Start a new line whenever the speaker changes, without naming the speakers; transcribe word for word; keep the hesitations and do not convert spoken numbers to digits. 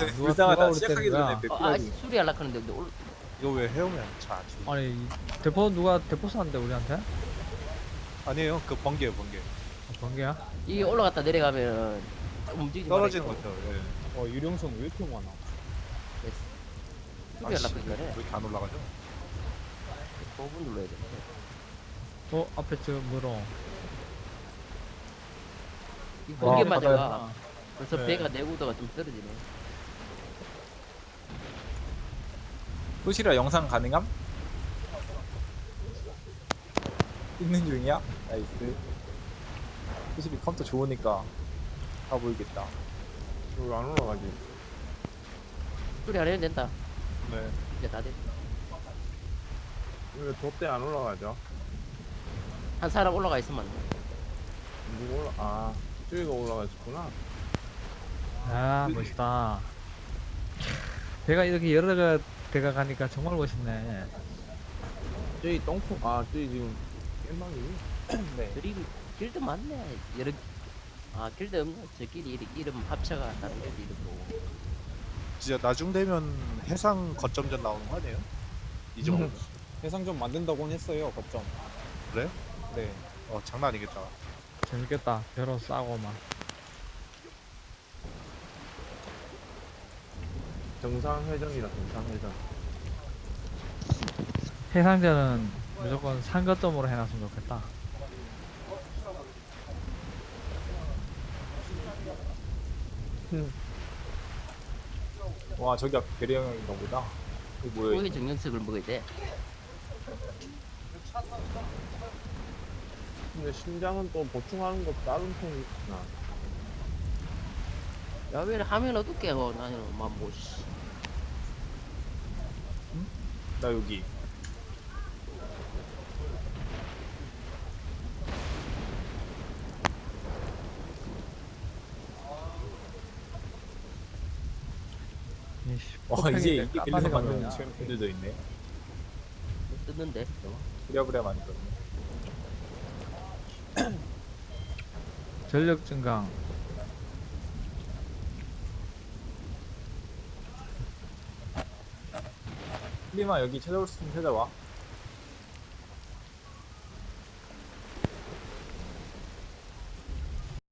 누가 누가
불쌍하다.
올
시작하기
때는
전에
거야.
아, 아
백
수리 하려고 하는데 근데 올,
이거 왜 해오면 잘 안 죽어?
아니 이 대포 누가 대포 쐈는데 우리한테?
아니에요. 그 번개요 번개.
아, 번개야?
이게 올라갔다 내려가면 움직이지
떨어지는
말아요.
거죠. 예.
어 유령선 왜 이렇게 많아?
됐어. 수리
아씨,
하려고
왜
했는데
이렇게 안 올라가죠?
오 분 눌러야 돼.
어 앞에 저 뭐로?
이 번개
와,
맞아가
바다였다.
벌써
네.
배가 내구도가 좀 떨어지네.
소시라 영상 가능함? 있는 중이야? 나이스. 소시리 컴퓨터 좋으니까 다 보이겠다.
여기 안 올라가지.
수리 안 해도 된다.
네.
이제 다 됐다.
왜 돛대 안 올라가죠?
한 사람 올라가 있으면 안 돼.
누구 올라? 아, 저기가 올라가셨구나.
아 멋있다. 배가 이렇게 여러 개 배가 가니까 정말 멋있네.
저기 똥콩. 아, 저기 지금 깻방이.
네.
드림 길드 많네. 여러 아 길드 없네. 저끼리 이름, 이름 합쳐가 다른 길드 이름으로.
진짜 나중 되면 해상 거점전 나오는 거 아니에요? 이 정도.
해상점 만든다고는 했어요. 거점.
그래요?
네.
어 장난 아니겠다.
재밌겠다. 배로 싸고 막.
정상회전이라 정상회전.
해상전은 무조건 상거점으로 해놨으면 좋겠다.
와 저기 앞에 배려형인가 보다. 이거 뭐야?
거기
이거?
정령석을 먹어야 돼.
근데 심장은 또 보충하는 거 다른 편이 있나?
야왜 하면 어떻게 뭐 나는 막뭐
나 여기.
이씨,
와
폭행인데
이제 이게 빌려서
깜빡이가
만드는
뭐냐.
챔피언들도 있네.
뜯는데.
부랴부랴 만들었네.
전력 증강.
리마 여기 찾아올 수 있으면 찾아와.